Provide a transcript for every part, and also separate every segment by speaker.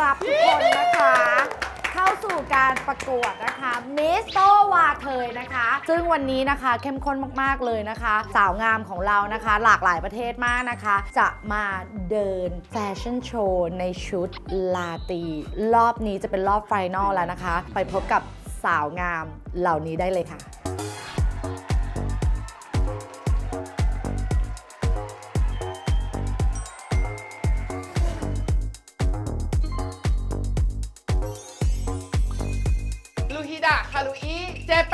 Speaker 1: รับทุกคนนะคะ เข้าสู่การประกวดนะคะมิสโตวาเทยนะคะ ซึ่งวันนี้นะคะเข้มข้นมากๆเลยนะคะ สาวงามของเรานะคะหลากหลายประเทศมากนะคะ จะมาเดินแฟชั่นโชว์ในชุดลาตรีรอบนี้จะเป็นรอบไฟนอลแล้วนะคะ ไปพบกับสาวงามเหล่านี้ได้เลยค่ะ
Speaker 2: ลูฮิดะคารุอิเจแป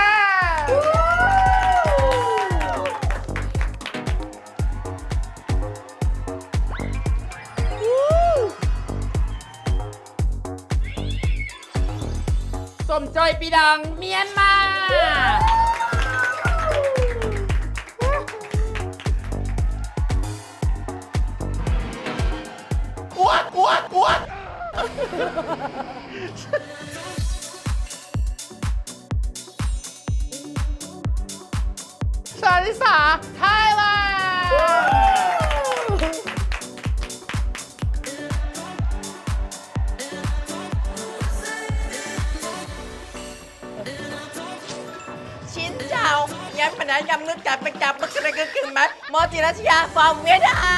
Speaker 2: นสมจอยปีดังเมียนมาอ้วนอ้วนอ้วนชาลิสาไทยแลนด์
Speaker 3: ชินเจ้างั้นปัญหายำนึกจับไปจับมึกอะไรก็กึ่งไหมมอจิรัชยาฟอร์มเวียดนาม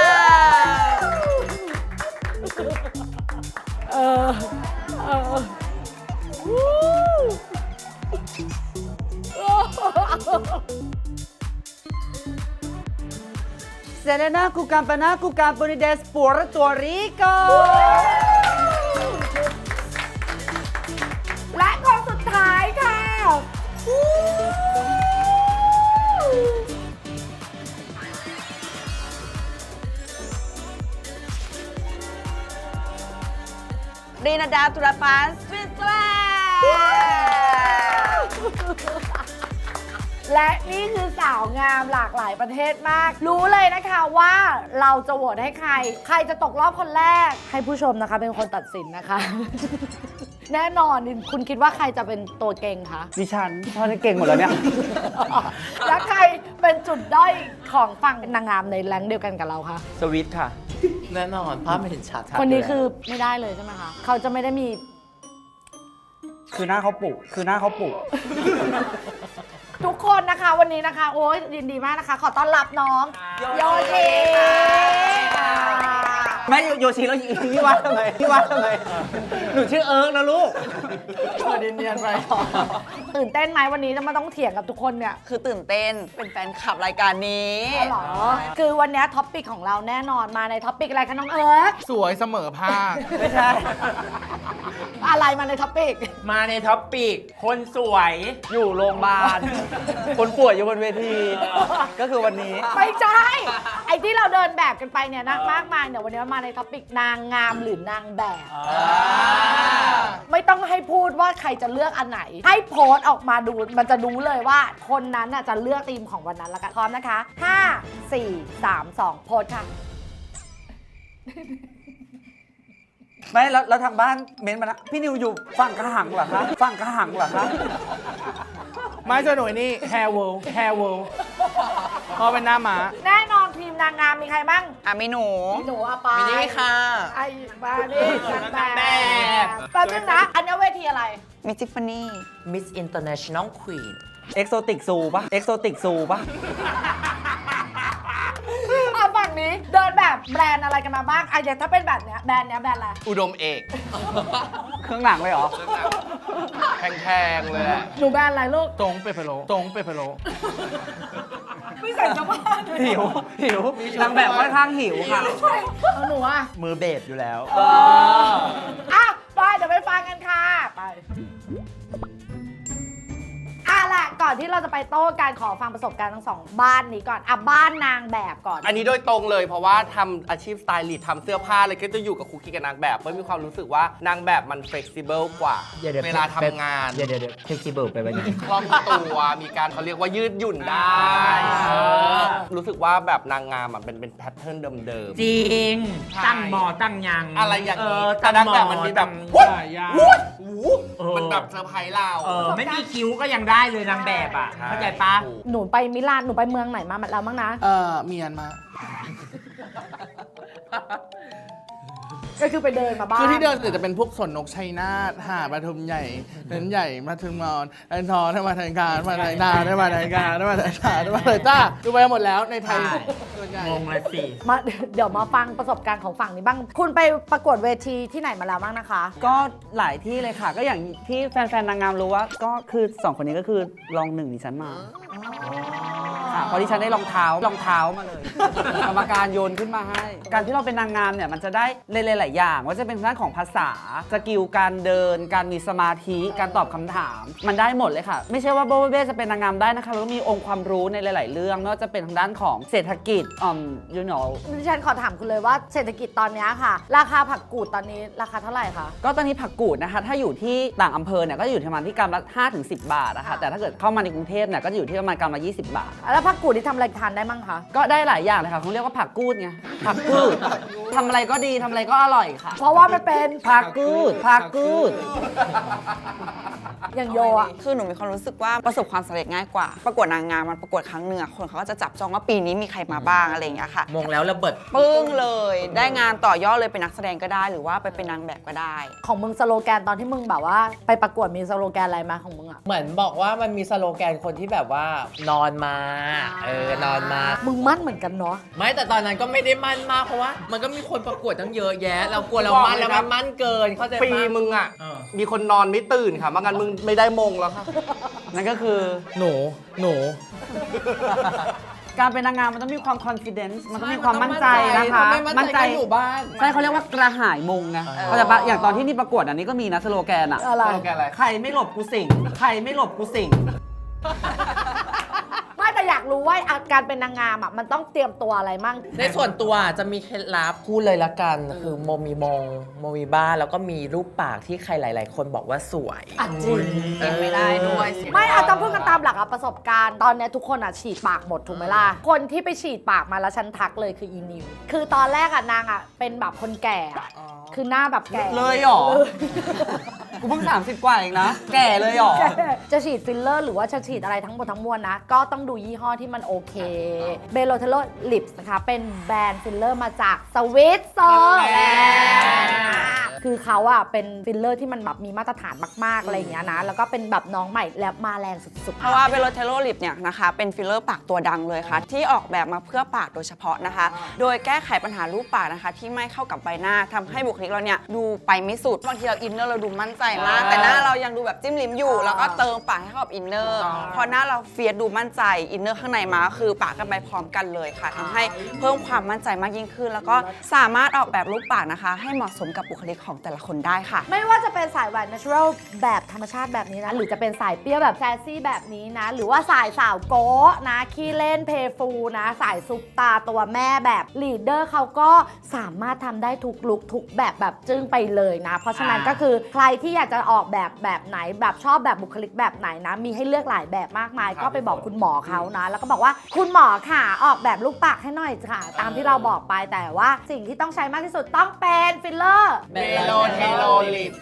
Speaker 4: Selena cu campana cu campanides Puerto Rico
Speaker 1: และคนสุดท้ายค่ะ
Speaker 3: รีนาดาตุรปานสวิตเซอร์แลนด์
Speaker 1: และนี่คือสาวงามหลากหลายประเทศมาก รู้เลยนะคะว่าเราจะโหวตให้ใคร ใครจะตกรอบคนแรก ให้ผู้ชมนะคะเป็นคนตัดสินนะคะ แน่นอนคุณคิดว่าใครจะเป็นตัวเก่งคะ
Speaker 4: ดิฉันพอจะเก่งหมดแล้วเนี่ย
Speaker 1: และใครเป็นจุดด้อยของฝั่งนางงามในแรงค์เดียวกันกับเราคะ
Speaker 4: สวิตค่ะ
Speaker 2: แน่นอนภาพไม่เห็นชัด
Speaker 1: คนนี้คือไม่ได้เลยใช่ไหมคะ เขาจะไม่ได้มี
Speaker 4: คือหน้าเขาปุคือหน้าเขาปุ
Speaker 1: ทุกคนนะคะวันนี้นะคะ โอ้ยยินดีมากนะคะ ขอต้อนรับน้องโยชิค่ะ
Speaker 4: แม่โยชิแล้วพี่วัดทำไมพี่วัดทำไมหนูชื่อเอิร์กนะลูก
Speaker 2: เปิดเนียนๆไป
Speaker 1: ตื่นเต้นไหมวันนี้จะมาต้องเถียงกับทุกคนเนี่ย
Speaker 3: คือตื่นเต้นเป็นแฟนคลับรายการนี้
Speaker 1: อ๋อเหรอ คือวันนี้ท็อปปิกของเราแน่นอนมาในท็อปปิกอะไรคะน้องเอิร์ก
Speaker 2: สวยเสมอภาค
Speaker 4: ไม่ใช่
Speaker 1: อะไรมาในท็อปปิก
Speaker 5: มาในท็อปปิกคนสวย
Speaker 4: อยู่โรงพยาบาล คนป่วยอยู่บนเวที ก็คือวันนี้
Speaker 1: ไม่ใช่ ไอ้ที่เราเดินแบบกันไปเนี่ยนะมากมายเนี่ยวันนี้มาในท็อปปิกนางงามหรือนางแบบ ไม่ต้องให้พูดว่าใครจะเลือกอันไหน ให้โพสต์ออกมาดูมันจะรู้เลยว่าคนนั้นน่ะจะเลือกธีมของวันนั้นแล้วกันพร้อมนะคะ 5 4 3 2 โพสต์ค่ะ
Speaker 4: ไม่แล้วทางบ้านเม้นต์มานะพี่นิวอยู่ฝั่งกระหังเหรอคะฝั่งกระหังเหรอคะ
Speaker 2: ไม่ใช่หน่วยนี่แฮร์เวิลด์เพราะเป็นหน้าม้า
Speaker 1: แน่นอนทีมนางงามมีใครบ้าง
Speaker 3: มีหนู
Speaker 1: มีหนูอะไป
Speaker 3: มีนี่ค่ะ
Speaker 1: ไอ้มาดินางแบบแป๊บนึงนะ อันนี้เวทีอะไร
Speaker 3: มิทิฟานี่
Speaker 5: Miss International Queen
Speaker 4: เอ็กโซติกซูปะเอ็กโซติกซูปะ
Speaker 1: อ่ะฝั่งนี้เดินแบบแบรนด์อะไรกันมาบ้างอ่ะอย่างถ้าเป็นแบบเนี้ยแบรนด์เนี้ยแบรนด์อะไร
Speaker 2: อุดมเอก
Speaker 4: เครื่องหนังเลยเหรอ
Speaker 2: แพงๆเลยอะ
Speaker 1: หนูแบรนด์อะไรลูก
Speaker 2: ตรงเปเปโลตรงเปเปโล
Speaker 1: ไม่ใส่กระบ้านเลย
Speaker 4: หิวนางแบบค่อนข้างหิวค่ะ
Speaker 1: ใช่เอาหนูอ่ะ
Speaker 5: มือเบสอยู่แล้ว
Speaker 1: อ่ะไปเดี๋ยวไปฟังกันค่ะ ไปล่ะก่อนที่เราจะไปโต้การขอฟังประสบการณ์ทั้งสองบ้านนี้ก่อนอ่ะบ้านนางแบบก่อน
Speaker 6: อันนี้โดยตรงเลยเพราะว่าทำอาชีพสไตลิสต์ทำเสื้อผ้าอะไรก็จะอยู่กับคุกกี้กับนางแบบเพราะมีความรู้สึกว่านางแบบมันเฟ e ซิเบิลกว่า เวลาทำงาน
Speaker 5: เดี๋ยว flexible ไปวันนี้
Speaker 6: คล่องตัวมีการเขาเรียกว่ายืดหยุ่นได้เออรู้สึกว่าแบบนางงามอ่ะเป็นแพทเทิร์นเดิม
Speaker 5: จริง
Speaker 6: ใช่
Speaker 5: ตั้งหมอตั้งยัง
Speaker 6: อะไรอย่างนี้แต่
Speaker 5: ตั้
Speaker 6: นางแบบมันมีแบบ
Speaker 5: ตั้ง
Speaker 6: วุ้ย
Speaker 2: ยาก
Speaker 6: วุ้ยหู
Speaker 5: เออ
Speaker 6: มันแบบเซอร์ไพรส์เรา
Speaker 5: ไม่มีคิ้วก็ยังได้เลยนางแบบอ่ะ เข้าใจปะ
Speaker 6: ถูก
Speaker 1: หนูไปมิลานหนูไปเมืองไหนมาแล้วบ้างนะ
Speaker 2: เมียนมา
Speaker 1: ก็คือไปเดินมาบ้าน
Speaker 2: คือที่เดินจะเป็นพวกสวนนกชัยนาทหาปทุมใหญ่เน้นใหญ่มาถึงมอนไอ้ทอได้มาทางการมาทางนาได้มาทางการได้มาทางการได้มาเลยจ้าดูไปหมดแล้วในไทยส่วนใหญ่
Speaker 5: งงเลยสิ
Speaker 1: มาเดี๋ยวมาฟังประสบการณ์ของฝั่งนี้บ้าง คุณไปประกวดเวทีที่ไหนมาแล้วบ้างนะคะ
Speaker 4: ก็หลายที่เลยค่ะ ก็อย่างที่แฟนๆนางงามรู้ว่าก็คือ2คนนี้ก็คือรองหนึ่งดิฉันมาค่ะเพราะดิฉันได้รองเท้ามาเลย กรรมการโยนขึ้นมาให้ การที่เราเป็นนางงามเนี่ยมันจะได้หลายๆอย่างว่าจะเป็นด้านของภาษาสกิลการเดิน การมีสมาธิการตอบคำถาม มันได้หมดเลยค่ะ ไม่ใช่ว่าโบเบ้จะเป็นนางงามได้นะคะเราก็มีองค์ความรู้ในหลาย ๆ เรื่องไม่ว่าจะเป็นทางด้านของเศรษฐกิจyou know
Speaker 1: ดิฉันขอถามคุณเลยว่าเศรษฐกิจตอนนี้ค่ะ ราคาผักกูดตอนนี้ราคาเท่าไหร่คะ
Speaker 4: ก็ตอนนี้ผักกูดนะคะถ้าอยู่ที่ต่างอำเภอเนี่ยก็จะอยู่ที่ประมาณที่กรัมละ5-10 บาทนะคะแต่ถ้าเกิดเข้ามาในกรุงเทพเนี่ยก็จะอยู่ที่ประมาณกรัมละ20 บาท
Speaker 1: แล้วผักกูดที่ทำอะไรทานได้มั่งคะ
Speaker 4: ก็ได้หลายอย่างเลยค่ะเขาเรียกว่าผักกูดไงผักกูดทำอะไรก็ดีทำอะไรก็อร่อยค่ะ
Speaker 1: เพราะว่ามันเป็น
Speaker 4: ผักกูดผักกูด
Speaker 1: อย่างโยอะ
Speaker 7: คือหนูมีความรู้สึกว่าประสบความสำเร็จง่ายกว่า ประกวดนางงามมันประกวดครั้งหนึ่งอะคนเขาก็จะจับจองว่าปีนี้มีใครมาบ้างอะไรอย่างเงี้ยค่ะ
Speaker 5: มงแล้วระเบิด
Speaker 7: ปึ้งเลย ได้งานต่อยอดเลยเป็นนักแสดงก็ได้ หรือว่าไปเป็นนางแบบก็ได้
Speaker 1: ของมึงสโลแกนตอนที่มึงแบบว่าไปประกวดมีสโลแกนอะไรมาของมึงอะ
Speaker 3: เหมือนบอกว่ามันมีสโลแกนคนที่แบบว่านอนมา นอนมา
Speaker 1: มึงมั่นเหมือนกันเนาะ
Speaker 3: ไม่แต่ตอนนั้นก็ไม่ได้มั่นมากเพราะว่ามันก็มีคนประกวดตั้งเยอะแยะ เรากลัวเรามั่นแล้วมันมั่นเกินเข้าใจ
Speaker 6: ปี
Speaker 3: ปะ
Speaker 6: มึงอ่ะ
Speaker 5: เออ
Speaker 6: มีคนนอนไม่ตื่นค่ะไม่งั้นมึงไม่ได้มงแล้วค่ะ
Speaker 4: นั่นก็คือ
Speaker 3: หนู
Speaker 4: การเป็นนางงามมันต้องมีความ confidence มันต้องมีความมั่นใจนะคะ
Speaker 3: มั่นใจก็อยู่บ้าน
Speaker 4: ใช่เขาเรียกว่ากระหายมงไงเขาใจปะอย่างตอนที่นี่ประกวดอันนี้ก็มีนะสโลแกนอะ
Speaker 1: อะไร
Speaker 6: สโลแกนอะไร
Speaker 4: ใครไม่หลบกูสิงใครไม่หลบกูสิง
Speaker 1: ไม่แต่อยากรู้ว่าการเป็นนางงามอะมันต้องเตรียมตัวอะไรมั่ง
Speaker 3: ในส่วนตัวจะมีเคล็ดลับพูดเลยละกัน คือโมมีบ้านแล้วก็มีรูปปากที่ใครหลาย ๆ คนบอกว่าสวย
Speaker 1: อ่ะจริง
Speaker 7: เก็บไม่ได้ด้วย
Speaker 1: ไม่เอาต้องพูดกันตามหลักอะประสบการณ์ตอนเนี้ยทุกคนอะฉีดปากหมดถูกไหมล่ะ คนที่ไปฉีดปากมาแล้วฉันทักเลยคืออีนิว คือตอนแรกอะนางอะเป็นแบบคนแก่อะคือหน้าแบบแก่
Speaker 4: เลยเหรอ กูเพิ่ง30 กว่าเองนะ แก่เลยเหรอ
Speaker 1: จะฉีดฟิลเลอร์หรือว่าจะฉีดอะไรทั้งหมดทั้งมวลนะ ก็ต้องดูยี่ห้อที่มันโอเคเบโลเทโลลิปส์นะคะ เป็นแบรนด์ฟิลเลอร์มาจากสวิตเซอร์แลนด์คือเขาอะเป็นฟิลเลอร์ที่มันแบบมีมาตรฐานมากๆอะไรอย่างเงี้ยนะ แล้วก็เป็นแบบน้องใหม่และมาแรงสุด
Speaker 7: เพราะว่าเบโลเทโลลิปเนี่ยนะคะเป็นฟิลเลอร์ปากตัวดังเลยค่ะ ที่ออกแบบมาเพื่อปากโดยเฉพาะนะคะ โดยแก้ไขปัญหารูปปากนะคะ ที่ไม่เข้ากับใบหน้าทำให้บุคลิกเราเนี่ยดูไปไม่สุดบางทีเราอินเนอร์เราดูมั่นใจมาก แต่หน้าเรายังดูแบบจิ้มลิ้มอยู่ แล้วก็เติมปากให้เข้ากับอินเนอร์พอหน้าเราเฟียสดูมั่นใจอินเนอร์ข้างในมาก็คือปากกันไปพร้อมกันเลยค่ะทำให้เพิ่มความมั่นใจมากยิ่งขึ้น แล้วก็สามารถออกแบบรูปปากนะคะ ให้เหมาะสมกับบุคลิกของแต่ละคนได้ค่ะ
Speaker 1: ๆ ไม่ว่าจะเป็นสายหวาน natural แบบธรรมชาติแบบนี้นะ หรือจะเป็นสายเปรี้ยวแบบแซซี่แบบนี้นะ หรือว่าสายสาวโก๊ะนะขี้เล่นเพย์ฟูนะ สายซุปตาตัวแม่แบบลีดเดอร์เขาก็สามารถทำได้ทุกลุคทุกแบบจึ้งไปเลยนะ เพราะฉะนั้นก็คือใครที่อยากจะออกแบบไหนแบบชอบแบบบุคลิกแบบไหนนะ มีให้เลือกหลายแบบมากมาย ก็ไปบอกคุณหมอเขานะ แล้วก็บอกว่าคุณหมอค่ะออกแบบลูกปากให้หน่อยค่ะ ตามที่เราบอกไปแต่ว่าสิ่งที่ต้องใช้มากที่สุดต้องเป็นฟิลเลอร์
Speaker 3: เบโลเทโลลิป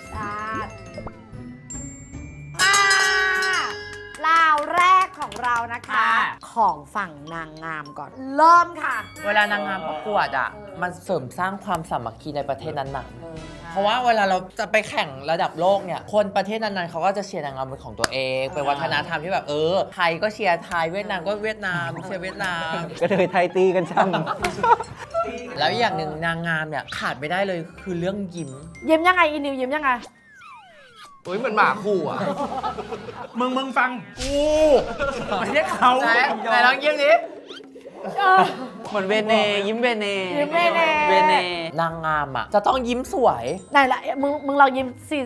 Speaker 1: ลาวแรกของเรานะคะ
Speaker 5: อ่า
Speaker 1: ของฝั่งนางงามก่อน เริ่มค่ะ
Speaker 3: เวลานางงามประกวดอ่ะ มันเสริมสร้างความสามัคคีในประเทศนั้นๆ เพราะว่าเวลาเราจะไปแข่งระดับโลกเนี่ย คนประเทศนั้นๆเขาก็จะเชียร์นางงามเป็นของตัวเอง เป็นวัฒนธรรมที่แบบไทยก็เชียร์ไทย เวียดนามก็เวียดนาม เชียร์เวียดนาม
Speaker 4: ก็เลยไทยตีกันช่ำ
Speaker 3: แล้วอย่างหนึ่งนางงามเนี่ยขาดไม่ได้เลยคือเรื่องยิ้ม
Speaker 1: ยิ้มยังไงอีนิวยิ้มยังไง
Speaker 6: อุ้ยเหมือนหมาคู่อ่ะ
Speaker 5: มึงฟังกูไม่ใช่เขา
Speaker 3: ไหนลองยิ้มดิ
Speaker 4: เหมือนเวเนยิ้มเวเน
Speaker 1: ยิ้มเวเน
Speaker 4: เวเน
Speaker 3: นางงามอ่ะจะต้องยิ้มสวย
Speaker 1: ไหนละมึงลองยิ้มสิ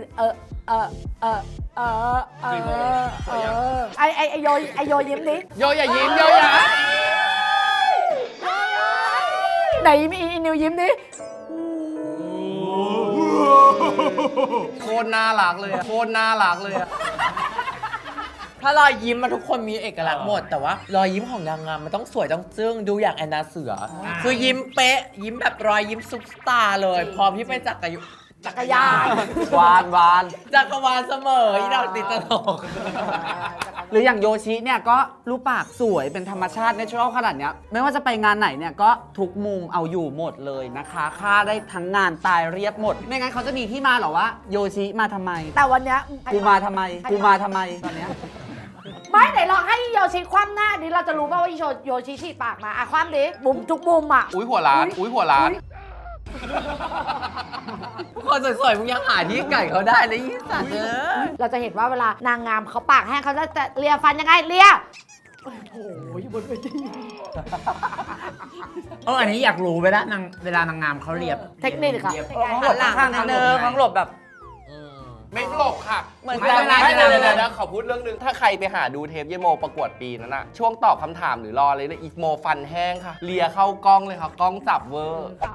Speaker 1: ไอโยยิ้มดิ
Speaker 3: โยอย่ายิ้มโยอย่า
Speaker 1: ไหนอีนิวยิ้มดิ
Speaker 6: โคตรน่ารักเลยอะโคตรน่ารักเลยอะ
Speaker 3: ถ้ารอยยิ้มมาทุกคนมีเอกลักษณ์หมด แต่ว่ารอยยิ้มของนางงามมันต้องสวยต้องจึ้งดูอย่างแอนนาเสือ คือยิ้มเป๊ะ ยิ้มแบบรอยยิ้มซุปตาร์เลย พร้อมที่ไปจักร
Speaker 1: จักรยาน
Speaker 4: วานวาน
Speaker 3: จักรวาลเสมออีดอกติดตลก
Speaker 4: หรืออย่างโยชิเนี่ยก็รูปปากสวยเป็นธรรมชาติเนเชอรัลขนาดเนี้ยไม่ว่าจะไปงานไหนเนี่ยก็ทุกมุมเอาอยู่หมดเลยนะคะค่าได้ทั้งงานตายเรียบหมด ไม่งั้นเขาจะมีที่มาเหรอว่าโยชิมาทำไม
Speaker 1: แต่วันเนี้ย
Speaker 4: กูมาทำไมกูมาทำไมตอนเนี้ย
Speaker 1: ไม่ไหนลองให้โยชิคว่ำหน้าดิเราจะรู้ป่าวว่าโยชิฉีดปากมาอ่ะคว่ำดิบุมทุกมุมอ่ะ
Speaker 6: อุ้ยหัวร้าน อุ้ยหัวร้าน
Speaker 3: คนสวยๆมึงยังหาที่ไก่เขาได้เลยยี่สัตว์เออ
Speaker 1: เราจะเห็นว่าเวลานางงามเขาปากแห้งเขาจะเลียฟันยังไงเลียโอ้โหบนเวที
Speaker 5: อันนี้อยากรู้เวลานางงามเขาเรียบ
Speaker 1: เทคนิคค่ะ
Speaker 4: ต้องหลบข้างนิดนึงต้องหลบแบบ
Speaker 6: ไม่หลบค่ะ
Speaker 7: เหมือน
Speaker 6: ไม่
Speaker 7: กัน
Speaker 6: ไม่เดี๋ยวขอพูดเรื่องนึง ถ้าใครไปหาดูเทปเยโมประกวดปีนั้นอะช่วงตอบคำถามหรือรอเลยอีโมฟันแห้งค่ะ เลียเข้ากล้องเลยค่ะ กล้องจับเวอร์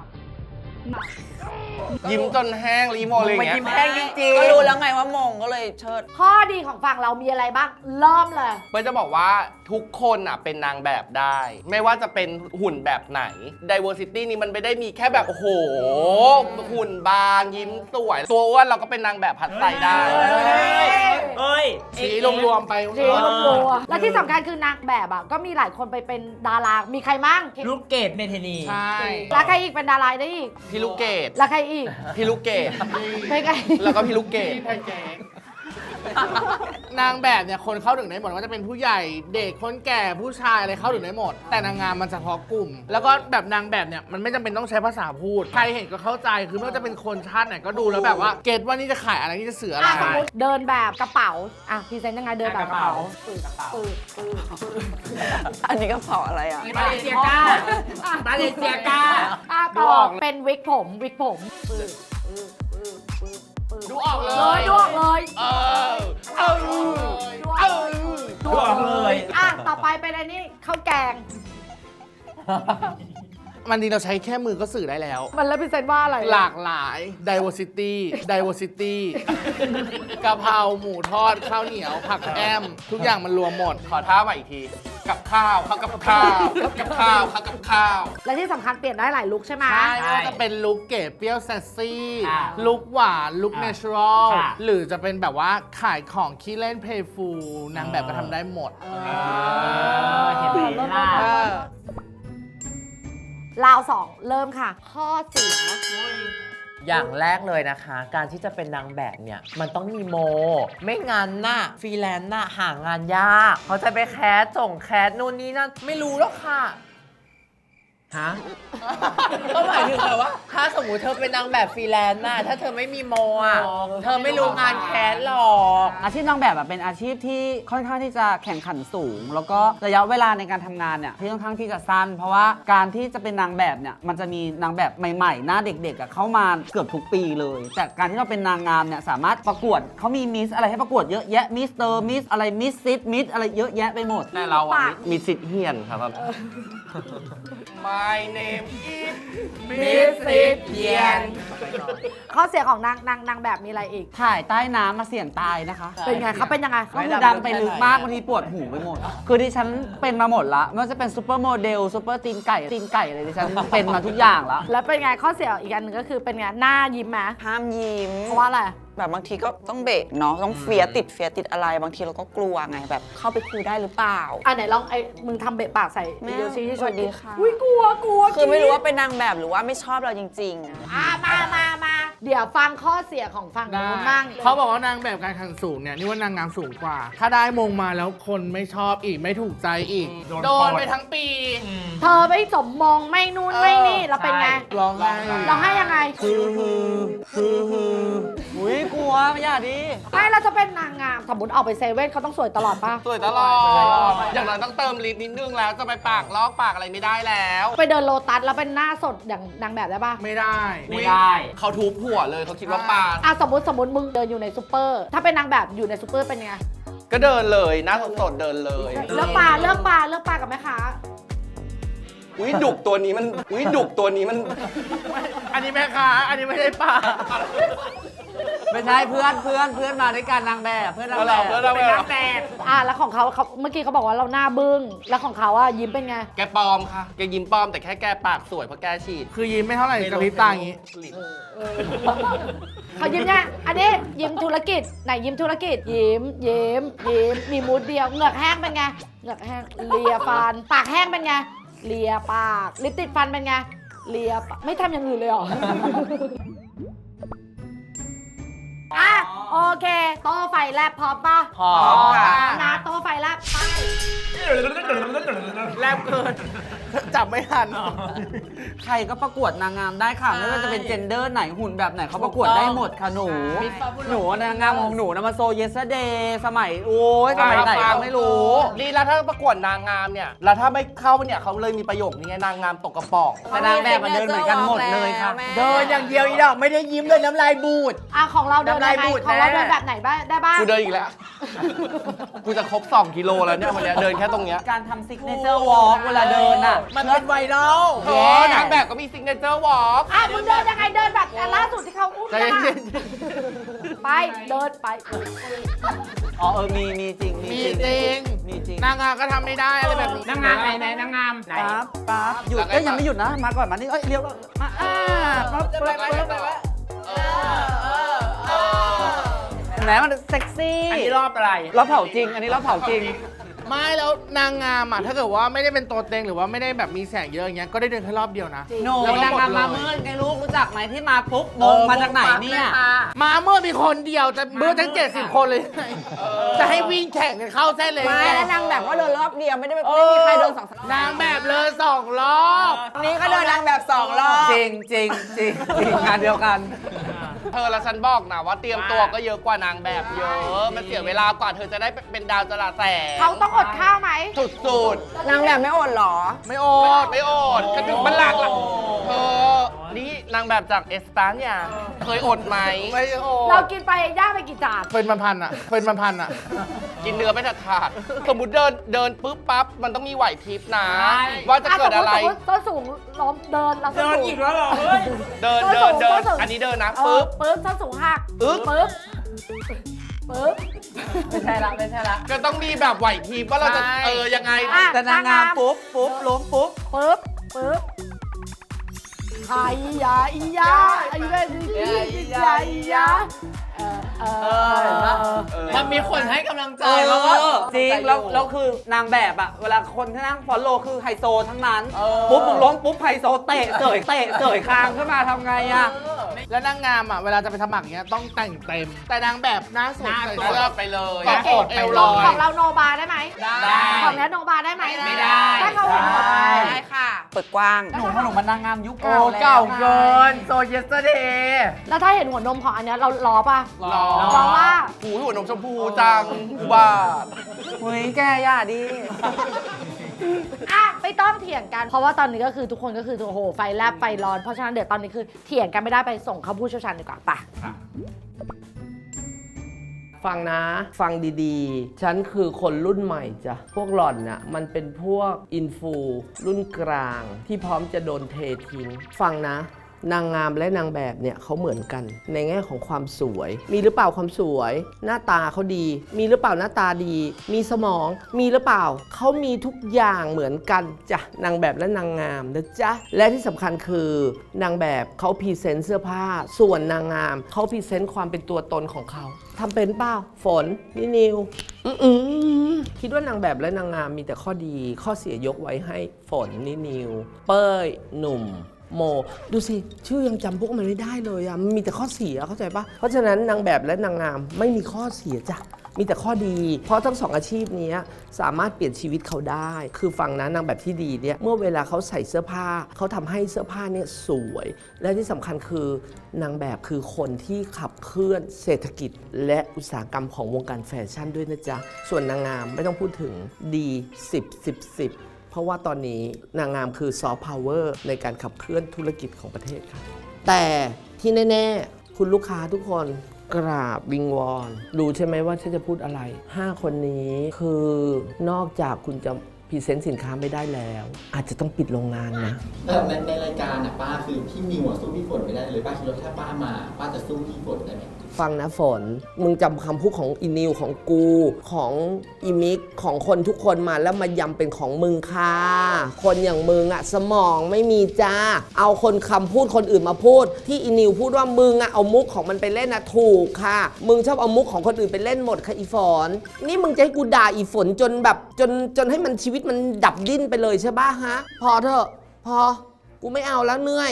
Speaker 6: ยิ้มจนแห้งรีโมเลยอย่างเงี้ย
Speaker 3: มันยิ้มแห้งจริง
Speaker 7: ก็รู้แล้วไงว่ามงก็เลยเชิด
Speaker 1: ข้อดีของฝั่งเรามีอะไรบ้างเริ่มเลย
Speaker 6: เพื่อจะบอกว่าทุกคนอ่ะเป็นนางแบบได้ ไม่ว่าจะเป็นหุ่นแบบไหน diversity นี่มันไม่ได้มีแค่แบบ โอ้โห หุ่นบางยิ้มสวย ตัวอ้วนเราก็เป็นนางแบบพัดใส่ได้
Speaker 5: เอ้ย
Speaker 2: สีรวมๆไป
Speaker 1: จริงมันกลัวและที่สำคัญคือนางแบบอ่ะก็มีหลายคนไปเป็นดารา มีใครมั่ง
Speaker 5: ลูกเกดเมเทนี
Speaker 2: ใช่
Speaker 1: แล้วใครอีกเป็นดาราได้อีก
Speaker 6: พี่ลูกเกด
Speaker 1: แล้วใครอีก
Speaker 6: พี่ลูกเกด
Speaker 1: ไม่ใคร
Speaker 6: แล้วก็พี่ลูกเกด
Speaker 2: นางแบบเนี่ยคนเข้าถึงได้หมดว่าจะเป็นผู้ใหญ่เด็กคนแก่ผู้ชายอะไรเข้าถึงได้หมด แต่นางงามมันเฉพาะกลุ่ม แล้วก็แบบนางแบบเนี่ยมันไม่จำเป็นต้องใช้ภาษาพูด ใครเห็นก็เข้าใจคือไม่ว่าจะเป็นคนชาติไหนก็ดูแล้วแบบว่าเก็ตว่านี่จะขายอะไรนี่จะสื่ออะไร
Speaker 1: อ่ะสมมติเดินแบบกระเป๋าอ่ะพรีเซนต์ยังไงเดินแบบกระเป๋า
Speaker 7: อันนี้ก็เผาอะไรอ่ะ
Speaker 5: บาเลเซียก้าบาเลเซียก้า
Speaker 1: อ่ะต่อเป็นวิกผม
Speaker 2: ดูออกเล
Speaker 1: เลย
Speaker 2: ย
Speaker 1: ดวกเลย
Speaker 5: ดูออกเลย
Speaker 1: อ่ะต่อไปเป็นอะไรนี่ข้าวแกง
Speaker 2: มันดีเราใช้แค่มือก็สื่อได้แล้ว
Speaker 1: มันแล้วพรีเซนต์ว่าอะไร
Speaker 2: หลากหลาย diversity กะเพราหมูทอดข้าวเหนียวผักแอมทุกอย่างมันรวมหมด
Speaker 6: ขอท่าใหม่อีกที กับข้าวเข้ากับข้าวกับข้าวเข้ากับข้าว
Speaker 1: และที่สำคัญเปลี่ยนได้หลายลุคใช่ไหม
Speaker 2: ใช่ไม่ว่าจะเป็นลุคเก๋เปรี้ยวแซสซี่
Speaker 5: ค่ะ
Speaker 2: ลุคหวานลุคเนเชอรัล
Speaker 5: ค่ะ
Speaker 2: หรือจะเป็นแบบว่าขายของขี้เล่นเพย์ฟูลนางแบบก็ทำได้หมด
Speaker 5: เห็นไหมล่ะ
Speaker 1: ราวสองเริ่มค่ะ ข้อเสีย
Speaker 3: อย่างแรกเลยนะคะ การที่จะเป็นนางแบบเนี่ย มันต้องมีโม ไม่งั้นน่ะฟรีแลนซ์น่ะหางานยาก เขาจะไปแคสส่งแคสนู่นนี่นั่นไม่รู้หรอกค่ะ
Speaker 5: ฮะ
Speaker 3: ก็หมายถึงแบบว่า ถ้าสมมติเธอเป็นนางแบบฟรีแลนซ์น่ะถ้าเธอไม่มีโมอ่ะเธอไม่รู้งานแคสหรอก
Speaker 4: อาชีพนางแบบอะเป็นอาชีพที่ค่อนข้างที่จะแข่งขันสูง แล้วก็ระยะเวลาในการทำงานเนี่ยที่ค่อนข้างที่จะสั้น เพราะว่าการที่จะเป็นนางแบบเนี่ยมันจะมีนางแบบใหม่ๆ หน้าเด็กๆอะเข้ามาเกือบทุกปีเลย แต่การที่เราเป็นนางงามเนี่ยสามารถประกวดเขามีมิสอะไรให้ประกวดเยอะแยะมิสเตอร์มิสอะไรมิสซิสมิสอะไรเยอะแยะไปหมด
Speaker 6: แต่เราอ่ะมีสิทธิ์เฮียนครับ My name is
Speaker 1: มิสซิสเยียนข้อเสียของนางแบบมีอะไรอีก
Speaker 4: ถ่ายใต้น้ำมาเสี่ยงตายนะคะ
Speaker 1: เป็นไงเขาเป็นยังไง
Speaker 4: ก็คือดำไปลึกมากบางทีปวดหูไปหมด คือดิฉันเป็นมาหมดละไม่ว่าจะเป็นซูเปอร์โมเดลซูเปอร์ตีนไก่อะไรดิฉันเป็นมาทุกอย่างละ
Speaker 1: แล้วเป็นไงข้อเสียอีกอันหนึงก็คือเป็นไงหน้ายิ้มไหม
Speaker 7: ห้ามยิ้ม
Speaker 1: เพราะว่าอะไร
Speaker 7: แบบบางทีก็ต้องเบรกเนาะต้องเฟียติดอะไรบางทีเราก็กลัวไงแบบเข้าไปคุยได้หรือเปล่า
Speaker 1: อ่ะไหนลองมึงทำเบะปากใส่
Speaker 7: แม่
Speaker 1: โยชิที่
Speaker 7: สวัสดีค่ะ
Speaker 1: อุ้ยกลัว
Speaker 7: คือไม่รู้ว่าเป็นนางแบบหรือว่าไม่ชอบเราจริงๆอะ
Speaker 1: อ่ะมาเดี๋ยวฟังข้อเสียของฝั่งนู้นบ้าง
Speaker 2: เขาบอกว่านางแบบการแข่งสูงเนี่ยนี่ว่านางงามสูงกว่า ถ้าได้มงมาแล้วคนไม่ชอบอีกไม่ถูกใจอีก โดนไปทั้งปี
Speaker 1: เธอไม่สมมงไม่นู่นไม่นี่แล้วเป็นไง
Speaker 2: ร้องไห้
Speaker 1: เราให้ยังไง
Speaker 4: อุ้ยกลัวไม่อยากดิ
Speaker 1: ไม่เราจะเป็นนางงามสมมติออกไปเซเว่นเขาต้องสวยตลอดป่ะ
Speaker 6: สวยตลอด อย่างน้อยต้องเติมลิปนิดนึงแล้วจะไปปากลอกปากอะไรไม่ได้แล้ว
Speaker 1: ไปเดินโลตัสแล้วเป็นหน้าสดอย่างนางแบบได้ป่ะ
Speaker 2: ไม่ได้
Speaker 5: ไม่ได้
Speaker 6: เขาทุบหัวเลยเขาคิดว่าปาก
Speaker 1: อ่ะสมมติมึงเดินอยู่ในซูเปอร์ ถ้าเป็นนางแบบอยู่ในซูเปอร์เป็นไง
Speaker 6: ก็เดินเลยหน้าสดๆเดินเลย
Speaker 1: เลือกปลากับแม่ค้า
Speaker 6: อุ้ยดุกตัวนี้มัน
Speaker 2: อันนี้แม่ค้าอันนี้ไม่ได้ป่า
Speaker 4: ไม่ใช่เพื่อนมาด้วยกันนางแบบเพื่อนนางแบบ
Speaker 6: เพื่อนนางแบบ
Speaker 4: เป็นนางแบบ
Speaker 1: แล้วของเขาเมื่อกี้เขาบอกว่าเราหน้าบึ้ง แล้วของเขาอะยิ้มเป็นไง
Speaker 6: แกปลอมค่ะ แกยิ้มปลอมแต่แค่แกปากสวยเพราะแกฉีด
Speaker 2: คือยิ้มไม่เท่าไหร่กระพริบตาอย่างงี้
Speaker 1: เขายิ้มเนี่ยอันนี้ยิ้มธุรกิจ ไหนยิ้มธุรกิจ ยิ้มมีมูดเดียว เหงือกแห้งเป็นไง เหงือกแห้ง เลียฟัน ปากแห้งเป็นไง เลียปาก ลิปติดฟันเป็นไง เลียปากไม่ทำอย่างอื่นเลยเหรอ อ่ะโอเค โต้ไฟแลบพร้อมปะ
Speaker 3: พร้อมค่ะ
Speaker 1: นะโต้ไฟแลบไป
Speaker 2: แลบเกิน จับไม่ทัน
Speaker 4: ใครก็ประกวดนางงามได้ค่ะไม่ว่าจะเป็นเจนเดอร์ไหนหุ่นแบบไหนเขาประกวดได้หมดค่ะหนูนางงามของหนูนะมาโซเยสเดย์สมัยโอ้ยสมัยไหนก็ไม่รู้
Speaker 6: นี่แล้วถ้าประกวดนางงามเนี่ย แล้วถ้าไม่เข้าเนี่ยเขาเลยมีประโยคนี้ไงนางงามตกกระป๋อง
Speaker 4: แต่นางแบบมันเดินเหมือนกันหมดเลยค่ะ
Speaker 3: เดินอย่างเดียวอีดอกไม่ได้ยิ้มเลยน้ำลายบูด
Speaker 1: ของเราเดิน
Speaker 3: น้ำลาย
Speaker 1: ยังไง
Speaker 3: บูด
Speaker 1: ของเรา
Speaker 3: แน่
Speaker 1: เดินแบบไหนบ้างได้บ้าง
Speaker 6: กูเดินอีกแล้ว กูจะครบ2 กิโลแล้วเนี่ยวันเนี้ยเดินแค่ตรงเนี้ย
Speaker 4: การทำซิกเนเจอร์วอล์กเวลาเดินอ่ะ
Speaker 3: มันเป็นไวรัล
Speaker 6: เออนางแบบก็มีซิกเนเจอร์วอล์ก
Speaker 1: มึงเดินยังไงเดินแบบล่าสุดที่เขาอุ้ม
Speaker 6: ใจ
Speaker 1: กัน
Speaker 6: เย็
Speaker 1: อะ
Speaker 6: น
Speaker 1: ไปเดินไป
Speaker 4: อ๋อมีจริง
Speaker 2: มีจริง
Speaker 4: มีจริง
Speaker 2: นางงามก็ทำไม่ได้อะไรแบบนี้
Speaker 5: นางงามไหนนางงามไหน
Speaker 4: ปั๊บหยุดก็ยังไม่หยุดนะมาก่อนมานี่เลี้ยวมาปั๊บแหมมันเซ็กซี่
Speaker 5: อันนี้รอบอะไร
Speaker 4: รอบเผาจริง อันนี้รอบเผาจริง
Speaker 2: ไม่แล้วนางงามอ่ะถ้าเกิดว่าไม่ได้เป็นตัวเต็งหรือว่าไม่ได้แบบมีแสงเยอะอย่างเงี้ยก็ได้เดินแค่รอบเดียวนะ
Speaker 4: โน่
Speaker 2: แล้วก็
Speaker 4: นาง
Speaker 2: หมด
Speaker 4: งามมา
Speaker 2: เลย
Speaker 4: เมื่อไงลูกรู้จักไหมที่มาปุ๊บมงมาจากไหนเนี่ย
Speaker 2: มาเมื่อมีคนเดียวจะเมื่อทั้ง70 คนเลยไงจะให้วิ่งแข่งกันเข้าเส้นเลย
Speaker 7: ไม่
Speaker 2: ไง
Speaker 7: แล้วนางแบบก็เดินรอบเดียวไม่ได้ไม่มีใครเดิน2 รอบ
Speaker 2: นางแบบเลย2 รอบ
Speaker 7: นี้ก็เดินนางแบบ2 รอบ
Speaker 4: จริงงานเดียวกัน
Speaker 6: เธอและฉันบอกนะว่าเตรียมตัวก็เยอะกว่านางแบบเยอะ มันเสียเวลากว่าเธอจะได้เป็นดาวจราแสง
Speaker 1: เขาต้องอดข้าวไหม
Speaker 6: สุด
Speaker 7: นางแบบไม่อดเหรอ
Speaker 2: ไม่โอด
Speaker 6: ไม่อดกระดึกบันลังล่ะเธอนี่นางแบบจากเอสตาเนี่ยเคยอดไหม
Speaker 2: ไม่โอ
Speaker 1: เรา
Speaker 2: ด
Speaker 1: กินไปย่างไปกี่จาน
Speaker 2: เป็นพันๆอ่ะเป็นพันๆอ่ะ
Speaker 6: กินเนื้อไม่ขาดๆสมมติเดินปุ๊บปั๊บมันต้องมีไหวพริบนะ ว่าจะเกิดอะไร
Speaker 1: สมมุติต้นสูงล้มเดินเราต้น
Speaker 5: เดิน
Speaker 1: สูง
Speaker 5: อีกแล้วเหรอเฮ้ย
Speaker 6: เดิน อันนี้เดินนะ
Speaker 1: ปึ๊
Speaker 6: ปุ๊
Speaker 1: บบ ต้นสูงหัก
Speaker 6: อึ๊บ
Speaker 1: ปึ๊บ
Speaker 4: ไม่ใช่ละ
Speaker 6: ก็ต้องมีแบบไหวพริบว่าเราจะยังไง
Speaker 1: อ่ะ
Speaker 4: แต่นางงามปุ๊บล้มปุ๊บ
Speaker 1: ปึ๊บไอ้ยาอียาไอ้เว้ยอียาอียา
Speaker 4: เห็นปะ
Speaker 3: มันมีคนให้กำลังใจ
Speaker 4: แล้
Speaker 3: แล้ว ว
Speaker 4: ก็
Speaker 3: ก็
Speaker 4: จริงแล้วคือนางแบบอะเวลาคนที่นั่งฟอลโล่คือไฮโซทั้งนั้น ปุ๊บมึงล้มปุ๊บไฮโซเตะเสยคางขึ้นมาทำไงอะ
Speaker 2: แล้วนางงามอ่ะเวลาจะไปสมัครเงี้ยต้องแต่งเต็ม แต่นางแบบหน้าสดใส่
Speaker 6: เลื
Speaker 2: เสื้อ
Speaker 6: อกไปเลย
Speaker 2: กอดอกเอวลอย
Speaker 1: ของเราโนบาได้ไหม
Speaker 6: ได้
Speaker 1: ของเนี้ยโนบาได้ไหม
Speaker 3: ไม่ได้
Speaker 1: ถ้าเขาเห็นหมด
Speaker 7: ได้ค่ะ เปิดกว้าง
Speaker 4: หนูมันนางงามยุค
Speaker 3: โอ้
Speaker 4: เก่าแล้ว
Speaker 3: เก่าเกินโซเยสเดย์
Speaker 1: แล้วถ้าเห็นหัวนมของอันเนี้ยเราล้อป่ะ
Speaker 6: รอ
Speaker 1: ล้อว่า
Speaker 6: หูหัวนมชมพูจังอุบาท
Speaker 4: เฮ้ยแกย่าดิ
Speaker 1: ไม่ต้องเถียงกัน เพราะว่าตอนนี้ก็คือทุกคนก็คือโอ้โหไฟแลบไฟร้อน เพราะฉะนั้นเดี๋ยวตอนนี้คือเถียงกันไม่ได้ไปส่งเขาผู้เชี่ยวชาญดีกว่าป่ะ
Speaker 8: ฟังนะ ฟังดีๆ ฉันคือคนรุ่นใหม่จ้ะ พวกหล่อนน่ะมันเป็นพวกอินฟูรุ่นกลางที่พร้อมจะโดนเททิ้ง ฟังนะ นางงามและนางแบบเนี่ยเขาเหมือนกัน ในแง่ของความสวย มีหรือเปล่าความสวย หน้าตาเขาดี มีหรือเปล่าหน้าตาดี มีสมอง มีหรือเปล่าเขามีทุกอย่างเหมือนกันจ้ะนางแบบและนางงามนะจ๊ะและที่สำคัญคือนางแบบเขาพรีเซนต์เสื้อผ้า ส่วนนางงามเขาพรีเซนต์ความเป็นตัวตนของเขาทำเป็นเปล่าฝนนี่นิวคิดว่านางแบบและนางงามมีแต่ข้อดีข้อเสียยกไว้ให้ฝนนี่นิวเป้ยหนุ่มโมดูสิชื่อยังจำพวกมันไม่ได้เลยอะมันมีแต่ข้อเสียเข้าใจปะเพราะฉะนั้นนางแบบและนางงามไม่มีข้อเสียจ้ะมีแต่ข้อดี เพราะทั้งสองอาชีพนี้สามารถเปลี่ยนชีวิตเขาได้ คือฟังนะนางแบบที่ดีเนี่ยเมื่อเวลาเขาใส่เสื้อผ้าเขาทำให้เสื้อผ้าเนี่ยสวย และที่สำคัญคือนางแบบคือคนที่ขับเคลื่อนเศรษฐกิจ และอุตสาหกรรมของวงการแฟชั่นด้วยนะจ๊ะส่วนนางงามไม่ต้องพูดถึงดี10เพราะว่าตอนนี้นางงามคือซอฟต์พาวเวอร์ในการขับเคลื่อนธุรกิจของประเทศค่ะแต่ที่แน่ๆคุณลูกค้าทุกคนกราบวิงวอนรู้ใช่ไหมว่าฉันจะพูดอะไร 5 คนนี้คือนอกจากคุณจะพรีเซนต์สินค้าไม่ได้แล้ว อาจจะต้องปิดโรงงานนะ
Speaker 9: ในรายการน่ะป้าคือพี่นิวสู้พี่ฝนไม่ได้เลยป้าคิดว่าถ้าป้ามาป้าจะสู้พี่ฝนได้ไหม
Speaker 8: ฟังนะฝน มึงจำคำพูดของอีนิวของกูของอีมิกของคนทุกคนมาแล้วมายำเป็นของมึงค่ะ คนอย่างมึงอะสมองไม่มีจ้า เอาคนคำพูดคนอื่นมาพูด ที่อีนิวพูดว่ามึงอะเอามุกของมันไปเล่นอะถูกค่ะ มึงชอบเอามุกของคนอื่นไปเล่นหมดค่ะอีฝน นี่มึงจะให้กูด่าอีฝนจนแบบจนให้มันชีวิตมันดับดิ้นไปเลยใช่ป่ะฮะ พอเถอะพอกูไม่เอาแล้วเหนื่อย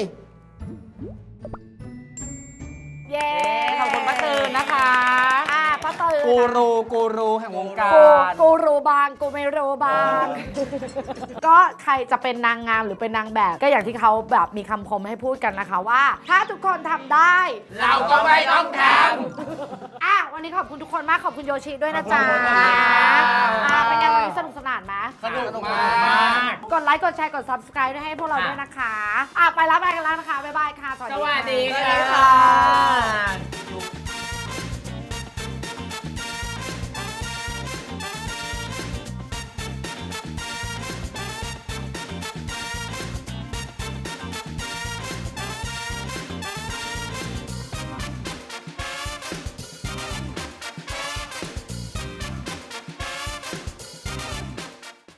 Speaker 1: เย้
Speaker 4: ขอบคุณป้าตือนนะคะ
Speaker 1: ป้าตือน
Speaker 4: กูรูแห่งวงการ
Speaker 1: กูรู้บางกูไม่รู้บาง ก็ใครจะเป็นนางงามหรือเป็นนางแบบ ก็อย่างที่เขาแบบมีคำคมให้พูดกันนะคะว่า ถ้าทุกคนทำได้
Speaker 2: เราก็ไม่ต้องท
Speaker 1: วันนี้ขอบคุณทุกคนมากขอบคุณโยชิด้วยนะจ๊ะเป็นไงวันนี้สนุกสนานไหม
Speaker 2: สนุกมาก
Speaker 1: กดไลค์กดแชร์กด subscribe ด้วยให้พวกเราด้วยนะคะไปแล้วไปกันแล้วนะคะบ๊ายบายค่ะสวัสดีค่ะ
Speaker 3: ค่ะ